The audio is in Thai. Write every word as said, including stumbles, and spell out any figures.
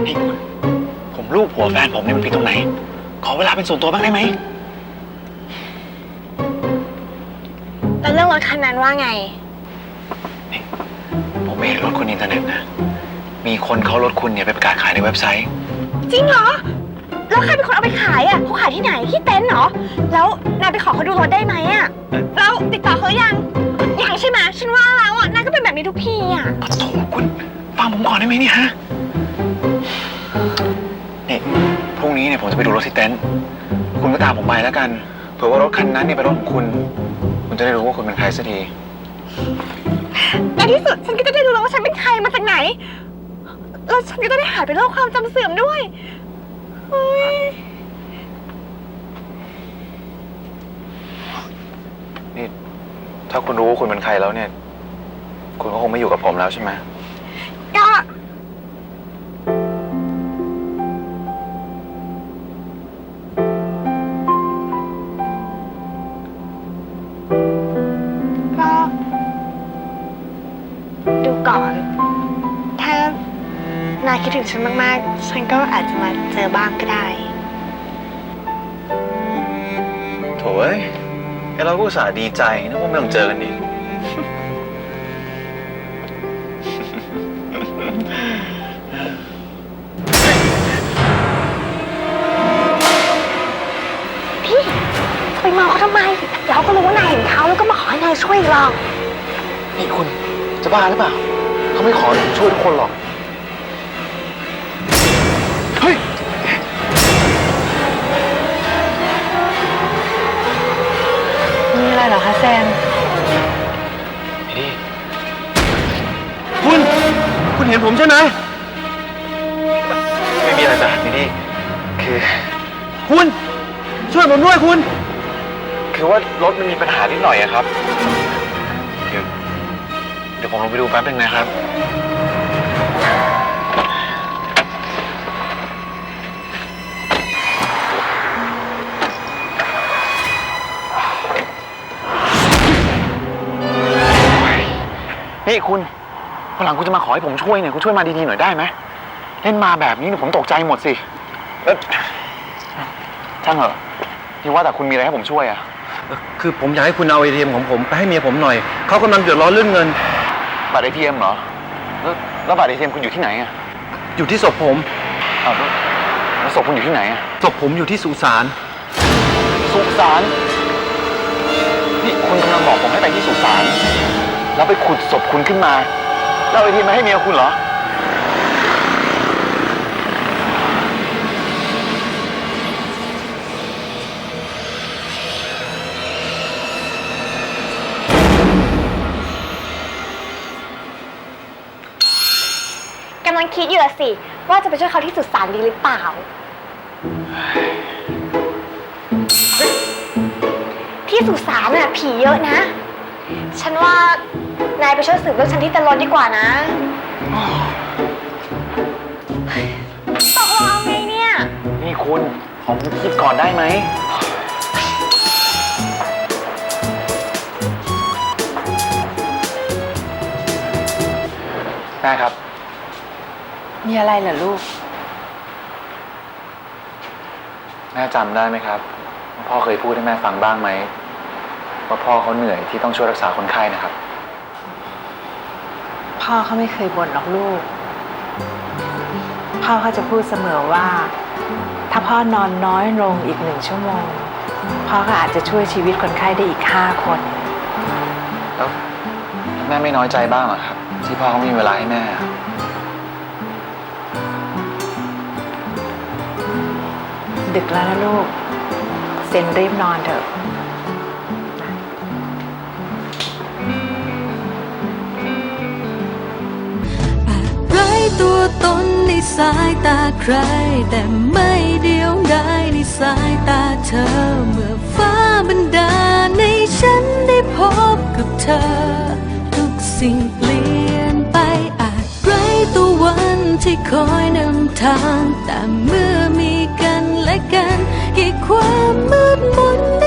นี่คุณผมลูกผัวแฟนผมเนี่ยมันผิดตรงไหนขอเวลาเป็นส่วนตัวบ้างได้ไหมแล้วเรื่องรถคันนั้นว่าไงนี่ผมไม่เห็นรถคุณอินเทอร์เน็ตนะมีคนเขารถคุณเนี่ยไปประกาศขายในเว็บไซต์จริงเหรอแล้วใครเป็นคนเอาไปขายอ่ะเขาขายที่ไหนที่เต็นท์เหรอแล้วนายไปขอเขาดูรถได้ไหมอ่ะแล้วติดต่อเขายังยังใช่ไหมฉันว่าแล้วอ่ะนายก็เป็นแบบนี้ทุกทีอ่ะโถคุณฟังผมก่อนได้ไหมเนี่ยฮะนี่พรุ่งนี้เนี่ยผมจะไปดูรถที่เต็นท์คุณก็ตามผมไปแล้วกันเผื่อว่ารถคันนั้นเนี่ยเป็นรถของคุณคุณจะได้รู้ว่าคุณเป็นใครสักทีในที่สุดฉันก็จะได้รู้แล้วว่าฉันเป็นใครมาจากไหนแล้วฉันก็จะได้หายไปโรคความจำเสื่อมด้วยนี่ถ้าคุณรู้ว่าคุณเป็นใครแล้วเนี่ยคุณก็คงไม่อยู่กับผมแล้วใช่ไหมก็ก็ดูก่อนถ้านายคิดถึงฉันมากๆฉันก็อาจจะมาเจอบ้างก็ได้โถ่เอ้ยเราก็อุตส่าห์ดีใจนึกว่าไม่ต้องเจอกันอีกพี่จะไปมองเขาทำไมเราก็รู้ว่านายเห็นเขาแล้วก็มาขอให้นายช่วยหรอกนี่คุณจะบ้าหรือเปล่าเขาไม่ขอผมช่วยทุกคนหรอกเฮ้ยมีอะไรเหรอคะแซมนี่คุณคุณเห็นผมใช่ไหมไม่มีอะไรจ้ะนี่นี่คือคุณช่วยผมด้วยคุณคือว่ารถมันมีปัญหานิดหน่อยอะครับเดี๋ยวเดี๋ยวผมลงไปดูแป๊บนึงนะครับนี่คุณวันหลังคุณจะมาขอให้ผมช่วยเนี่ยคุณช่วยมาดีๆหน่อยได้ไหมเล่นมาแบบนี้เนี่ยผมตกใจหมดสิแล้วช่างเหรอที่ว่าแต่คุณมีอะไรให้ผมช่วยอะคือผมอยากให้คุณเอาไอเทียมของผมไปให้เมียผมหน่อยเขากำลังเดือดร้อนเรื่องเงินบัตรไอทีเอ็มเหรอแล้วแล้วบัตรไอทีเอ็มคุณอยู่ที่ไหนอะอยู่ที่ศพผมอ้าวแล้วศพคุณอยู่ที่ไหนอะศพผมอยู่ที่สุสานสุสานนี่คุณกำลังบอกผมให้ไปที่สุสานแล้วไปขุดศพคุณขึ้นมาแล้วไอทีมาให้เมียคุณเหรอกำลังคิดอยู่ละสิว่าจะไปช่วยเขาที่สุสานดีหรือเปล่าที่สุสานน่ะผีเยอะนะฉันว่านายไปช่วยสืบเรื่องฉันที่เต็นท์รถดีกว่านะตกลงเอาไงเนี่ยนี่คุณขอผมคิดก่อนได้ไหมแม่ครับมีอะไรเหรอลูกแม่จำได้ไหมครับว่าพ่อเคยพูดให้แม่ฟังบ้างไหมว่าพ่อเขาเหนื่อยที่ต้องช่วยรักษาคนไข้นะครับพ่อเขาไม่เคยบ่นหรอกลูกพ่อเขาจะพูดเสมอว่าถ้าพ่อนอนน้อยลงอีกหนึ่งชั่วโมงพ่อก็อาจจะช่วยชีวิตคนไข้ได้อีกห้าคนแล้วแม่ไม่น้อยใจบ้างเหรอครับที่พ่อเขาไม่มีเวลาให้แม่ดึกแล้วนะลูกเซนรีบนอนเถอะตัวตนในสายตาใครแต่ไม่เดียวดายในสายตาเธอเมื่อฟ้าบันดาลให้ฉันได้พบกับเธอทุกสิ่งเปลี่ยนไปอาจไร้ตัววันที่คอยนำทางแต่เมื่อมีกันและกันให้ความมืดมน